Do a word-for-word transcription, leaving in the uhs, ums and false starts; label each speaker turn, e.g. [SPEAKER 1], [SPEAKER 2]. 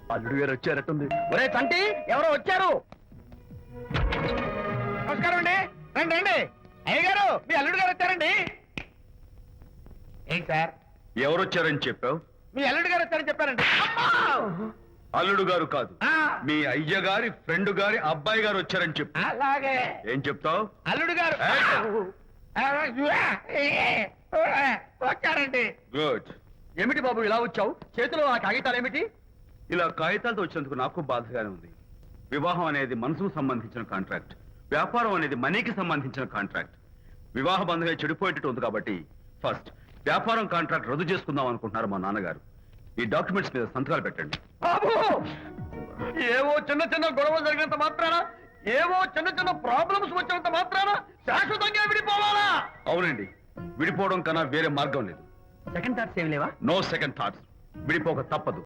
[SPEAKER 1] అల్లుడు గారు వచ్చారట్టుంది. ఒరే తంటి, ఎవరో వచ్చారు.
[SPEAKER 2] నమస్కారం అండి. రండి రండి. అయ్య గారు, మీ అల్లుడు గారు వచ్చారండి. ఏంటి సార్?
[SPEAKER 1] ఎవరు వచ్చారని చెప్పావు?
[SPEAKER 2] మీ అల్లుడు గారు వచ్చారని చెప్పారండి.
[SPEAKER 1] అల్లుడు గారు కాదు,
[SPEAKER 2] ఆ,
[SPEAKER 1] మీ అయ్య గారి ఫ్రెండ్ గారి అబ్బాయి గారు వచ్చారని చెప్పు.
[SPEAKER 2] అలాగే.
[SPEAKER 1] ఏం చెప్తావు?
[SPEAKER 2] అల్లుడు గారు వచ్చారండి.
[SPEAKER 1] గుడ్.
[SPEAKER 2] ఏమిటి బాబు ఇలా వచ్చావు? చేతిలో ఆ కాగితాలు ఏమిటి?
[SPEAKER 1] ఇలా కాగితాలతో వచ్చినందుకు నాకు బాధగానే ఉంది. వివాహం అనేది మనసుకు సంబంధించిన కాంట్రాక్ట్, వ్యాపారం అనేది మనీకి సంబంధించిన కాంట్రాక్ట్. వివాహ బంధంగా చెడిపోయేటట్టు ఉంది కాబట్టి ఫస్ట్ వ్యాపారం కాంట్రాక్ట్ రద్దు చేసుకుందాం అనుకుంటున్నారు మా నాన్నగారు. ఈ డాక్యుమెంట్స్ మీద సంతకాలు పెట్టండి.
[SPEAKER 2] బాబు, ఏవో చిన్న చిన్న గొడవలు జరిగినంత మాత్రాన, ఏవో చిన్న చిన్న ప్రాబ్లమ్స్ వచ్చినంత మాత్రాన శాశ్వతంగా విడిపోవాలా?
[SPEAKER 1] అవునండి, విడిపోవడం కన్నా వేరే మార్గం లేదు.
[SPEAKER 2] సెకండ్ థాట్స్ ఏమి లేవా?
[SPEAKER 1] No second thoughts. విడిపోక తప్పదు.